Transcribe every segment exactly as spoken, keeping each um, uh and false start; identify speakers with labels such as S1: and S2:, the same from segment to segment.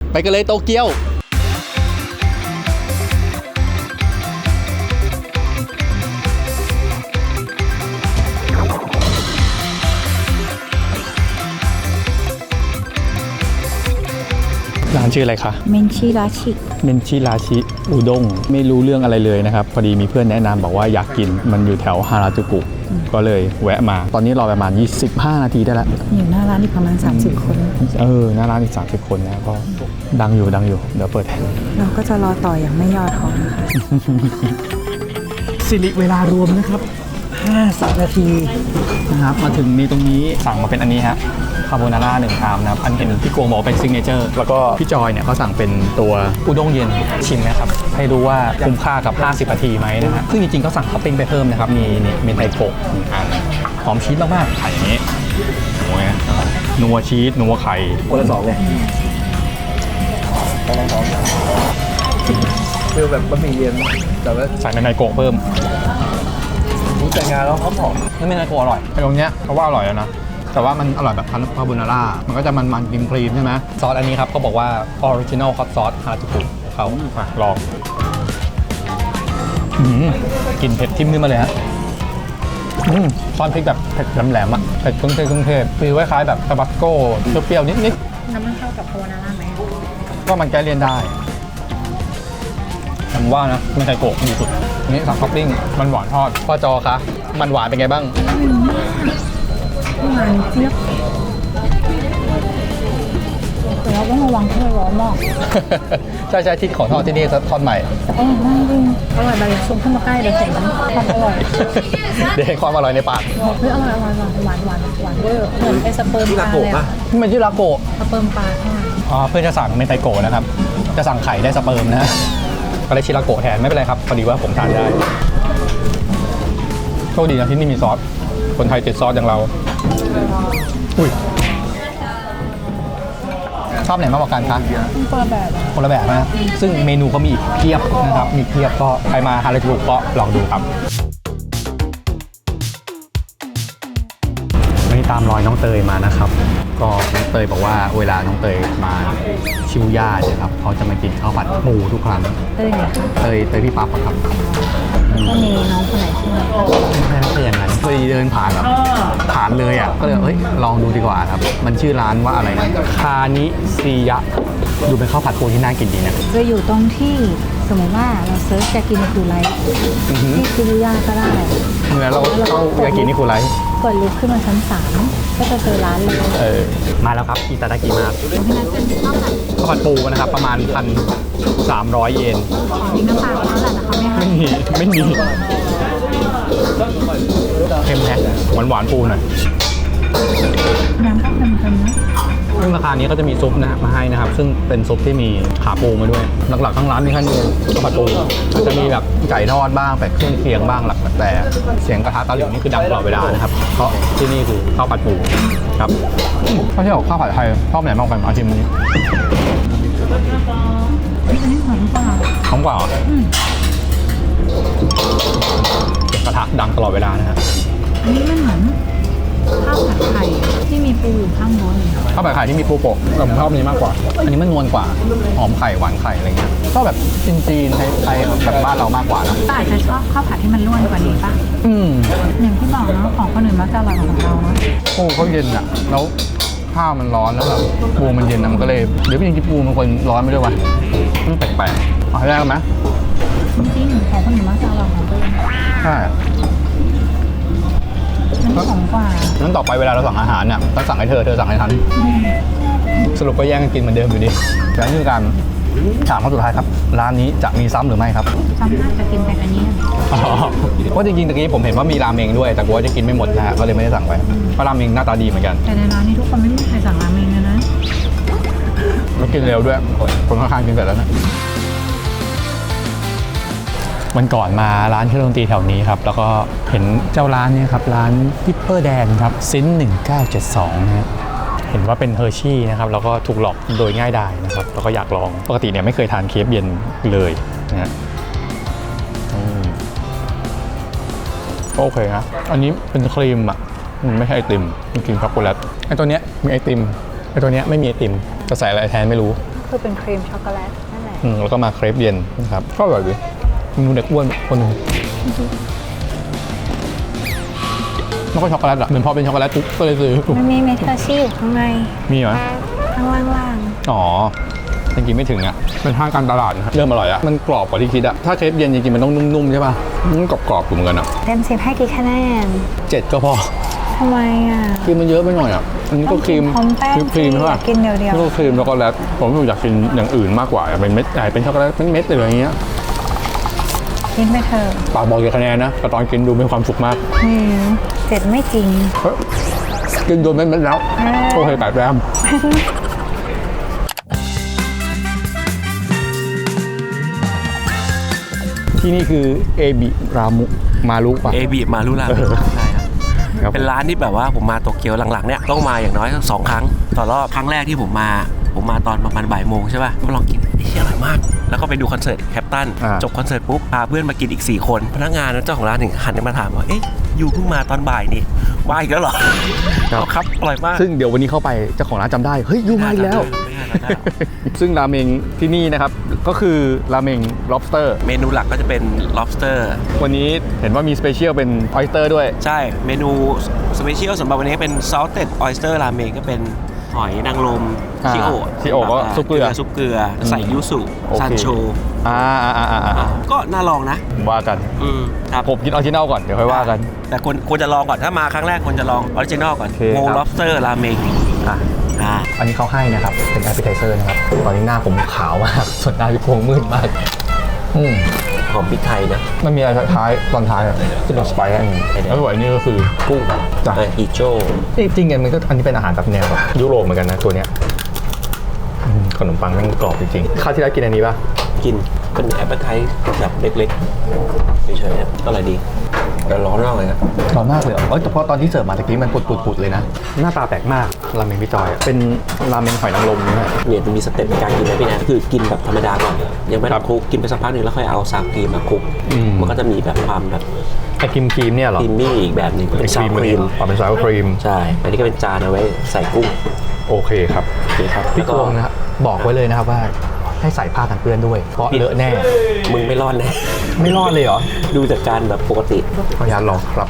S1: ไปกันเลยโตเกียวร้านชื่ออะไรคะ
S2: เมนชิราชิ
S1: เมนชิราชิอุด้งไม่รู้เรื่องอะไรเลยนะครับพอดีมีเพื่อนแนะนำบอกว่าอยากกินมันอยู่แถวฮาราจูกุก็เลยแวะมาตอนนี้รอประมาณยี่สิบห้านาทีได้แล้ว
S2: อยู่หน้าร้านอีกประมาณสามสิบคน
S1: เออหน้าร้านอีกสามสิบคนนะก็ดังอยู่ดังอยู่เดี๋ยวเปิด
S2: เราก็จะรอต่ออย่างไม่ย่อท้อนะคะ
S1: สิริเวลารวมนะครับห้าสิบนาทีนะครับมาถึงนี่ตรงนี้สั่งมาเป็นอันนี้ฮะคาโบนาร่าหนึ่งชามนะครับอันเห็นพี่โกงบอกเป็นซิกเนเจอร์แล้วก็พี่จอยเนี่ยเขาสั่งเป็นตัวอุด้งเย็นชิมนะครับให้ดูว่าคุ้มค่ากับห้าสิบนาทีไหมนะฮะซึ่งจริงๆเขาสั่งท็อปปิ้งไปเพิ่มนะครับมีนี่เมนไทโกะหนึ่งอันหอมชีสมากๆไข่อย่างนี้โอ้ยนัวชีสนัวไข่คนละสองเลย
S3: คือแบบบะหมี่เย็นแต่ว่า
S1: ใส่เมนไทโกะเพิ่ม
S3: แต่งงานแล้วเขาหอม
S1: นี่เมนไทโกะอร่อยไอ้ตรงเนี้ยเขาว่าอร่อยแล้วนะแต่ว่ามันอร่อยแบบคาโบนาร่ามันก็จะมันมันครีมครีมใช่ไหมซอสอันนี้ครับเขาบอกว่าออริจินอลฮอตซอสฮาราจูกุเขามาลองกลิ่นเผ็ดทิ่มขึ้นมาเลยฮะซอสพริกแบบเผ็ดแหลมๆอ่ะเผ็ดเครื่องเทศเครื่องเทศฟีลคล้ายๆแบบทาบาสโก้เปรี้ยวๆนิด
S2: ๆน้ำมันเข้ากับคาโบนาร่าไหม
S1: ก็มันแก้เลี่ยนได้ผมว่านะมันไทโกะดีสุดนี่สั่งท็อปปิ้งมันหวานทอดพ่อจอคะมันหวานเป็นไงบ้าง
S2: หวานเจี๊ยบแต่เราต้องระวังที่ร้อนมาก
S1: ใช่ใช่ที่ของทอดที่นี่ทอดใหม่
S2: อร่อยมากจริงอร่อยไปชมขึ้นมาใกล้เดี๋ยวเห็นความอร่อย
S1: เดี๋ยวเห็นความอร่อยในปาก
S2: เฮ้ยอร่อยอร่อยหวานหวานหวานเวอร์เหมือนไอสเปิร์มปลาเลยอ่ะ
S1: มันชื่อลาโกะ
S2: สเปิร์มปลาใช่
S1: อ๋อเพื่อนจะสั่งเมนไทโกะนะครับจะสั่งไข่ได้สเปิร์มนะก็เลยชิลาโกะแทนไม่เป็นไรครับพอดีว่าผมทานได้โชคดีนะที่นี่มีซอสคนไทยติดซอสอย่างเราอุ้ยชอบไหนมากกว่ากันคะ
S2: คนละแบบ
S1: คนละแบบนะซึ่งเมนูเขามีอีกเพียบนะครับมีเพียบก็ใครมาฮาราจูกุก็ลองดูครับวันนี้ตามรอยน้องเตยมานะครับก็น้องเตยบอกว่าเวลาน้องเตยมาชิวย่าเนี่ยครับเขาจะมากินข้าวผัดหมูทุกครั้ง
S2: เตยไหน
S1: เตยเตยพี่ปั๊บครับ
S2: ก็มีน้องคนไหนที่มา
S1: ไม่ใช่อย่างนั้นเคยเดินผ่านแบบผ่านเลยอ่ะก็เลยเฮ้ยลองดูดีกว่าครับมันชื่อร้านว่าอะไรนะคานิซิยะดูเป็นข้าวผัดปูที่น่ากินดีนะ
S2: จะอยู่ตรงที่สมมติว่าเราเซิร์ชยากินิคุไรที่คุริยาก็ได้
S1: เหมือนเราเข้ายากินิคุไร
S2: กดลิฟต์ขึ้นมาชั้นสามก็จะเจอร้านเลย
S1: เออมาแล้วครับอิตาดากิมาข้าวผัดปูนะครับประมาณพันสามร้อยเยน
S2: มีน้ำตาลเท่าไหร่นะคะไม่
S1: มีไม่มีเค็มแท้หวานหวานปูหน่อย
S2: น้ำก็เค็มๆนะ
S1: ซึ่งราคานี้ก็จะมีซุปนะมาให้นะครับซึ่งเป็นซุปที่มีขาปูมาด้วยหลักๆทั้งร้านมีแค่นี้ข้าวผัดปูอาจจะมีแบบไก่ทอดบ้างแบบเครื่องเคียงบ้างหลักแต่เสียงกระทะตะหลิวนี่คือดังตลอดเวลานะครับเพราะที่นี่คือข้าวผัดปูครับถ้าที่บอกข้าวผัดไทยชอบไหนมากกว่ากันอาชิมนี้
S2: อันนี้หอมกว่า
S1: หอมกว่าเหรอกระทะดังตลอดเวลานะฮะ
S2: อันนี้มันเหมือนข้าวผัดไข่ที่มีปูอยู่ข้างบน
S1: ข้าวผัดไข่ที่มีปูโปะผมชอบนี้มากกว่าอันนี้มันนวลกว่าหอมไข่หวานไข่อะไรเงี้ยชอบแบบจีนๆไทยๆแบบบ้านเรามากกว่านะ
S2: แต่อาจจะชอบข้าวผัดที่มันร่วนกว่านี้ป่ะ
S1: อืม
S2: อย่างที่บอกเนาะของคนอื่นมักจะอร่อยกว่าของเราเนาะ
S1: ปูเขาเย็นอ่ะแล้วข้าวมันร้อนแล้วแบบปูมันเย็นนะมันก็เลยเดี๋ยวพี่ยังกินปูมันคนร้อนไม่ด้วยวะมันแปลกๆเอาได้ไหม
S2: จริงๆของคนอื่นมักจะอร่อยของตัวเอง
S1: ใช่
S2: มันหอมกว่า
S1: นั้นต่อไปเวลาเราสั่งอาหารเนี่ยต้องสั่งให้เธอเธอสั่งให้ฉันสรุปก็แย่งกันกินเหมือนเดิมอยู่ดีแต่นี่คือการถามข้อสุดท้ายครับร้านนี้จะมีซ้ำหรือไม่ครับ
S2: ซ้ำน่าจะกินแต่อันนี้
S1: เพราะจริงๆตะกี้ผมเห็นว่ามีราเมงด้วยแต่กลัวจะกินไม่หมดนะฮะก็เลยไม่ได้สั่งไปเพราะราเมงหน้าตาดีเหมือนกัน
S2: แต่ในร้านนี้ทุกคนไม่มีใครสั่งราเมงเลยนะ
S1: แล้วกินเร็วด้วยคนข้างๆกินเสร็จแล้วนะวันก่อนมาร้านเครื่องดนตรีแถวนี้ครับแล้วก็เห็นเจ้าร้านนี้ครับร้านพิปเปอร์แดนครับซินหนึ่งเก้าเจ็ดสองนะเห็นว่าเป็นเฮอร์ชี่นะครับแล้วก็ถูกหลอกโดยง่ายดายนะครับแล้วก็อยากลองปกติเนี่ยไม่เคยทานเคฟเย็นเลยนะฮะโอเคนะอันนี้เป็นครีมอ่ะมันไม่ใช่ไอติมเป็นครีมช็อกโกแลตไอตัวเนี้ยมีไอติมไอตัวเนี้ยไม่มีไอติมจะใส่อะไรแทนไม่รู้
S2: คือเป็นครีมช็อกโกแลตนั่นแหละ
S1: อืมแล้วก็มาเครปเย็นนะครับก็อร่อยดีมีเด็กอ้วนคนหนึงแล้วก็ช็อกโกแลตอ่ะเหมือนพอเป็นช็อกโกแลตปุ๊บก็เลยซื้อ
S2: มันมีเมทัลชี่อยู่ข้างใน
S1: มีเหรอ
S2: ข้างล่าง
S1: อ๋อจริงๆไม่ถึงอ่ะเป็นทางการตลาดนะครับเริ่มอร่อยอ่ะมันกรอบกว่าที่คิดอ่ะถ้าเครปเย็นจริงๆมันต้องนุ่มๆใช่ป่ะมันกรอบๆอยู่เหมือนกันอ่ะ
S2: ๆเต็มสิบให้กี่คะแนน
S1: เจ็ดก็พอ
S2: ทำไมอ่ะ
S1: ครีมมันเยอะไปหน่อยอ่ะอันนี้ก็ครีม
S2: พร้อมแป้ง
S1: ครีมใช่ป่ะ
S2: กินเดียวๆ
S1: แล้วก็ครีมช็อกโกแลตผมอยากกินอย่างอื่นมากกว่าเป็นเม็ดใหญ่เป็นช็อกโกแลตเป็นเม็ดอะไรอย่างเงี้ย
S2: กินไปเถอะ
S1: ปากบอกกี่คะแนนนะแต่ตอนกินดูมีความสุขมาก
S2: อืมเจ็ดไม่จริง
S1: เฮ้ยกินโดนเม็ดๆแล้ว
S2: อ่า
S1: โอเคแปดแรมที่นี่คือเอบิรามุมารุป่ะ
S4: เอบีมารุราเมงใช่ครับ
S1: ครับ
S4: เป็นร้านที่แบบว่าผมมาโตเกียวหลังๆเนี่ยต้องมาอย่างน้อยสักสองครั้งต่อรอบครั้งแรกที่ผมมาผมมาตอนประมาณบ่ายโมงใช่ป่ะมาลองกินไอ้เชี่ยอร่อยมาก แล้วก็ไปดูคอนเสิร์ตแคปตัน
S1: อ่า
S4: จบคอนเสิร์ตปุ๊บพาเพื่อนมากินอีกสี่คนพนักงานเจ้าของร้านถึงหันมาถามว่าเอ๊ะยูเพิ่งมาตอนบ่ายนี่มาอีกแล้วเหรอครับอร่อยมาก
S1: ซึ่งเดี๋ยววันนี้เข้าไปเจ้าของร้านจำได้เฮ้ยยูมาอีกแล้ว
S4: ไม่น่าจำได้หรอก
S1: ซึ่งราเมงที่นี่นะครับก็คือราเมง lobster
S4: เมนูหลักก็จะเป็น lobster
S1: วันนี้เห็นว่ามีสเปเชียลเป็น oyster ด้วย
S4: ใช่เมนูสเปเชียลสำหรับวันนี้เป็น salted oyster ramen ก็เป็นหอยนางรม
S1: อ่า
S4: ชิโอ
S1: ชิโอก็ซุปเกลือ
S4: ซุปเกลือใส่ยูสุ
S1: โอเค
S4: ซันโช
S1: อ่าอ่าอ่าอ่าอ่า
S4: ก็น่าลองนะ
S1: ว่ากัน
S4: อืมครับ
S1: ผมกินออริจินัลก่อนเดี๋ยวค่อยว่ากัน
S4: แต่ควรควรจะลองก่อนถ้ามาครั้งแรกควรจะลองออริจินอลก่อน
S1: โอเค
S4: โม
S1: ครับ
S4: lobster ramen
S1: อ่ะ
S4: อ่า
S1: อันนี้เขาให้นะครับ เป็น appetizer นะครับ ตอนนี้หน้าผมขาวมาก ส่วนหน้าพี่พวงมืดมาก อืม
S4: หอมพริกไทยนะ
S1: มันมีอะไรท้ายตอนท้ายอ่ะที่เป็นสไปซ์อันนี้แล้วส่วนอันนี้ก็คือกุ้งจ้ะ
S4: เออฮิโจ
S1: จริงๆมันก็อันนี้เป็นอาหารแบบแนวแบบยุโรปเหมือนกันนะตัวเนี้ยอืมขนมปังแม่งกรอบจริงๆข้าวที่แล้วกินอันนี้ป่ะ
S4: กินเป็นแอปเปิลไทแบบเล็กๆเฉยๆนะอร่อยดีแต่ร้อนมากเลยนะ
S1: ร้อนมากเลยเหรอเอ้ยแต่พอตอนที่เสิร์ฟมาตะกี้มันปุดๆๆเลยนะ หน้าตาแปลกมากราเมงพี่จอยอะเป็นราเมงหอยนางรมเนี่ย
S4: เนี่ยมันมีสเต็ปในการกินนะพี่แนนคือกินแบบธรรมดาก่อนยังไม่
S1: ครั
S4: ต้อบ งคลุกกินไปสักพักหนึ่งแล้วค่อยเอาซาวครีมมาคลุก
S1: อืม
S4: มันก็จะมีแบบความแบบ
S1: ไอครีมครีมเนี่ยเหรอ
S4: ครีมมี่อีกแบบหนึงเป็นซาวครีม
S1: อ๋อเป็นซาวครีม
S4: ใช่ อันนี้ก็เป็นจานเอาไว้ใส่กุ้ง
S1: โอเคครับ
S4: โอเคครับ
S1: พี่กวงนะครับบอกไว้เลยนะครับว่าให้ใส่ผ้ากันเปื้อนด้วย เพราะเลอะแน่
S4: มึงไม่รอดแน่
S1: ไม่รอดเลยเหรอ
S4: ดูจากการแบบปกติ
S1: ขออนุญาตลองครับ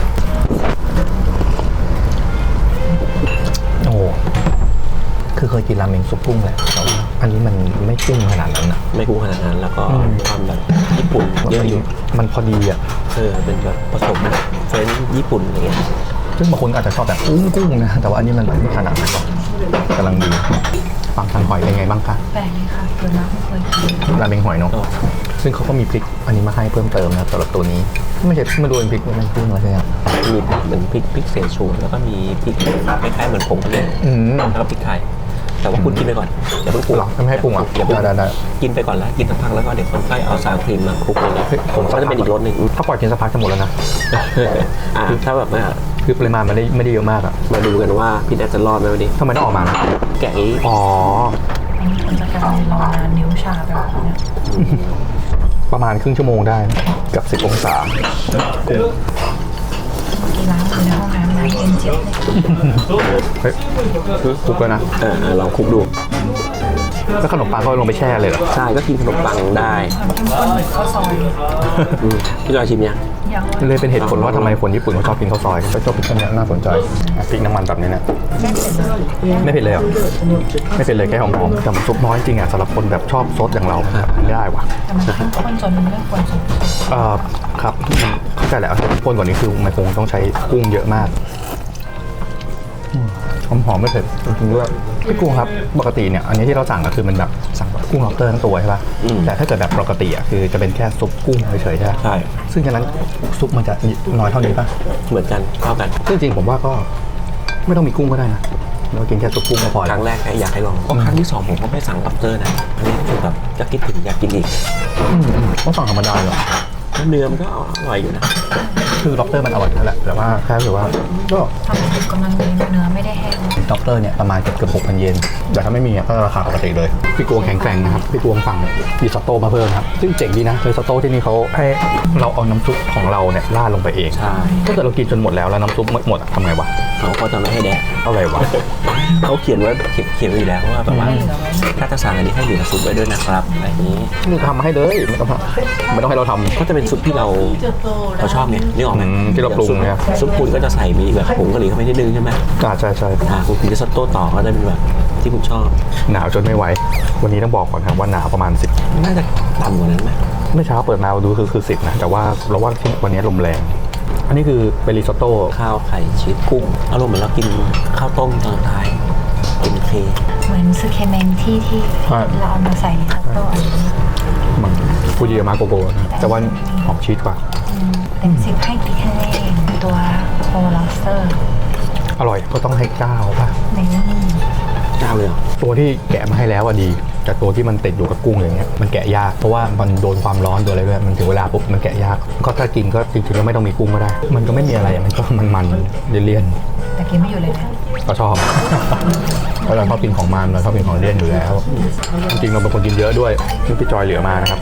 S1: โอ้โหคือเคยกินราเมงซุปกุ้งแหละแต่ว่าอันนี้มันไม่กุ้งขนาดนั้นนะ
S4: ไม่กุ้งขนาดนั้น แล้วก็
S1: อืม
S4: ความแบบญี่ปุ่นเยอะอยู่
S1: มันพอดีอ่ะ
S4: เออเป็นแบบผสมเฟรนช์ญี่ปุ่นอะไรเงี้ย
S1: ซึ่งบางคนก็อาจจะชอบแบบกุ้งกุ้งนะ แต่ว่าอันนี้มันแบบไม่ขนาดนั้นหรอกกำลังดีฟังทางหอยเป็นไงบ้างคะ
S2: แปลกเลยค่ะเกิดมาไม่เคยกิน
S1: ราเมงหอยเนาะ ซึ่งเขาก็มีพริกอันนี้มาให้เพิ่มเติมนะสำหรับตัวนี้ ไม่ใช่ไม่ดูเป็นพริกมันกุ้งอะไรใช่ไหม
S4: มีเหมือนพริกพริกเสฉวนแล้วก็มีพริกคล้ายๆเหมือนผงกะหรี่
S1: อืม
S4: แล้วก็พริกไทย แต่ว่าคุณกินไปก่อนอย่าเพิ่งปรุง
S1: หรอไม่ให้ปรุงอ่ะ
S4: อย่าเพิ่ง
S1: ได้ได้
S4: กินไปก่อนแล้วกินสักพักแล้วก็เดี๋ยวคนค่อยเอาซาวครีมมาคลุกเลยนะ
S1: เฮ้ยผม
S4: ก็จะเป็นอีกรสหนึ่ง
S1: ถ้าปล่อยกินสักพักจะหมดแล้วนะ
S4: อ่าถ้าแบบว่า
S1: คือปริมาณมันไม่ได้ไม่ได้เยอะมากอ่ะ
S4: มาดูกันว่าพี่แนทจะรอดไหมวันนี้
S1: ทำไมต้องออกมานะ
S4: แกะนี้
S1: อ๋อ
S2: มันจะกลายรอนานนิ้วชาไปแบบเนี้ย
S1: ประมาณครึ่งชั่วโมงได้เกับสิบองศา
S2: กีฬาอยู่ในห้องน้ำน้ำเย็นเจี๊ยบเลย
S1: เฮ้ยคลุกแล้วนะ
S4: เออเออลองคลุกดู
S1: แล้วขนมปังก็ลงไปแช่เลยเหรอ
S4: ใช่ก็กินขนมปังได้
S2: ข้าวข้าวซอย
S4: อืมพี่จอยชิมยัง
S2: ยัง
S1: เลยเป็นเหตุผลว่าทำไมคนญี่ปุ่นเขาชอบกินข้าวซอยก็ชอบกินอันเนี้ยน่าสนใจอ่ะพริกน้ำมันแบบนี้เนี่ยไม่เผ็ดเลยเหรอไม่เผ็ดเลยแค่หอมๆแต่มันซุปน้อยจริงอ่ะสำหรับคนแบบชอบซดอย่างเราไม่ได้ว่ะ
S2: แต่มันเข้มข้นจนมันไม่ควรสม
S1: เอ่อครับเข้าใจแล้วคนกว่านี้คือมันคงต้องใช้กุ้งเยอะมากหอมหอมๆไม่เผ็ดจริงๆด้วยพี่กุ้งครับปกติเนี่ยอันนี้ที่เราสั่งก็คือมันแบบสั่งแบบกุ้งล็อบสเตอร์ทั้งตัวใช่ป่ะแต่ถ้าเกิดแบบปกติอ่ะคือจะเป็นแค่ซุปกุ้งเฉยๆใช่ไหม
S4: ใช่
S1: ซึ่งฉะนั้นซุปมันจะน้อยเท่านี้ป่ะ
S4: เหมือนกันเท่ากัน
S1: ซึ่งจริงผมว่าก็ไม่ต้องมีกุ้งก็ได้นะเรากินแค่ซุปกุ้งก็พอ
S4: ค
S1: แล้ว
S4: รั้งแรกอยากให้ลองเพราะครั้งที่สองผมก็ไม่สั่งล็อบสเตอร์นะอันนี้คือแบบจะคิดถึงอยากกินอีก
S1: อืมอืมต้องสั่งธรรมดาเหรอ
S4: แล้วเนื้อมันก็อร่อยอยู่นะ
S1: คือล็อบสเตอร์มันอร่อยนั่นแหละแต่ว่าแค่รู้สึกว่าก็
S2: ทำสุกกำลังดีเนื้อไม่ได้แห้ง
S1: ด็อกเตอร์เนี่ยประมาณเกือบเกือบหกพันเยนแต่ถ้าไม่มีก็ราคาปกติเลยพี่กวงแข็งแกร่งนะครับพี่กวงสั่งรีซอตโต้มาเพิ่มครับซึ่งเจ๋งดีนะรีซอตโต้ที่นี่เขาให้เราเอาน้ำซุปของเราเนี่ยราดลงไปเอง
S4: ใช่
S1: ถ้าเกิดเรากินจนหมดแล้วแล้วน้ำซุปหมดทำไงวะ
S4: เขาก็จะไม่ให้แดก
S1: อะไรวะ
S4: เขาเขียนไว้เขียนเขียนไว้อยู่แล้วว่าแบบว่าถ้าจะสั่งอันนี้ให้เหลือซุปไว้ด้วยนะครับอะไรอย่างนี้
S1: นี่ทำให้เลยไม่ต้องไม่ต้องให้เราทำ
S4: ก็จะเป็นซุปที่เราเราชอบเนี่ยนึกออกไหม
S1: อืมที่เราปรุงเนี่ย
S4: ซุปคุณก็จะใส่มีแบบผงกะหรี่เข้าไปนิดนึงใช่ไหม
S1: อ่าใช่ใช่
S4: อ่าคุณกินริซอตโต้ต่อก็จะเป็นแบบที่คุณชอบ
S1: หนาวจนไม่ไหววันนี้ต้องบอกก่อนครับว่าหนาวประมาณสิบ
S4: น่าจะต่ำกว่านั้นไหม
S1: เมื่อเช้าเปิดมาดูคือคือสิบนะแต่ว่าเราว่าที่วันนี้ลมแรงอันนี้คือเป็นริซอตโต้
S4: ข้าวไข่ชีสกุ้งอารมณ์เหมือนเรากินข้าวต้มตอนท้ายกินเค
S2: เหมือนซึเคเมนที่ที่เราเอามาใส่ในซัตโต้อันนี้
S1: มันฟูจิยามาโกโก้นะแต่ว่าหอมชีสกว่า
S2: เต็มสิบให้กี่คะแนนตัวโคลอสเตอร์
S1: อร่อยก็ต้องให้เก้าป่ะ
S2: ในนี่
S4: เจ้าเลยเหรอ
S1: ตัวที่แกะมาให้แล้วอะดีแต่ตัวที่มันติดอยู่กับกุ้งอย่างเงี้ยมันแกะยากเพราะว่ามันโดนความร้อนตัวอะไรด้วยมันถึงเวลาปุ๊บมันแกะยากก็ถ้ากินก็จริงๆก็ไม่ต้องมีกุ้งก็ได้ มันก็ไม่มีอะไรมันก็มันๆเลี่ยน
S2: แต่กินไม่อยู่เลยนะ
S1: ๆก็ชอบ เพราะเราชอบกินของมันเราชอบกินของเลี่ยนอยู่แล้วจริงๆเราเป็นคนกินเยอะด้วยนี่พี่จอยเหลือมานะครับ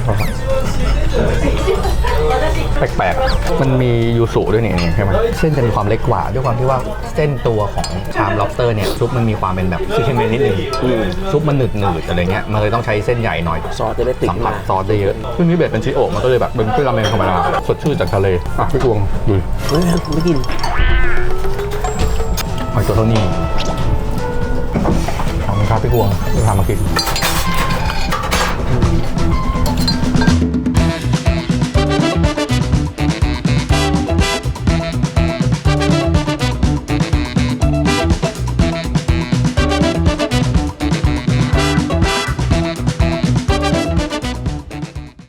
S1: แปลกๆมันมียูสุด้วยเนี่ยใช่ไหมเส้นจะมีความเล็กกว่าด้วยความที่ว่าเส้นตัวของชาม lobster เนี่ยซุปมันมีความเป็นแบบซีเคเมนนิดนึงซุปมันหนืดหนืดๆอะไรเงี้ยมันเลยต้องใช้เส้นใหญ่หน่อย
S4: ซอสจะได้ติด
S1: สัมผั
S4: มา
S1: สซอสได้เยอะซึ่งนี่เบ็ดเป็นชิโอะมันก็เลยแบบเป็นเครื่องราเมงธรรมดาสดชื่นจากทะเลอ่ะพี่กวงดู
S4: เฮ้ยไม่กิน
S1: หอยตัวเท่านี้ขอบคุณครับพี่กวงที่พามากิน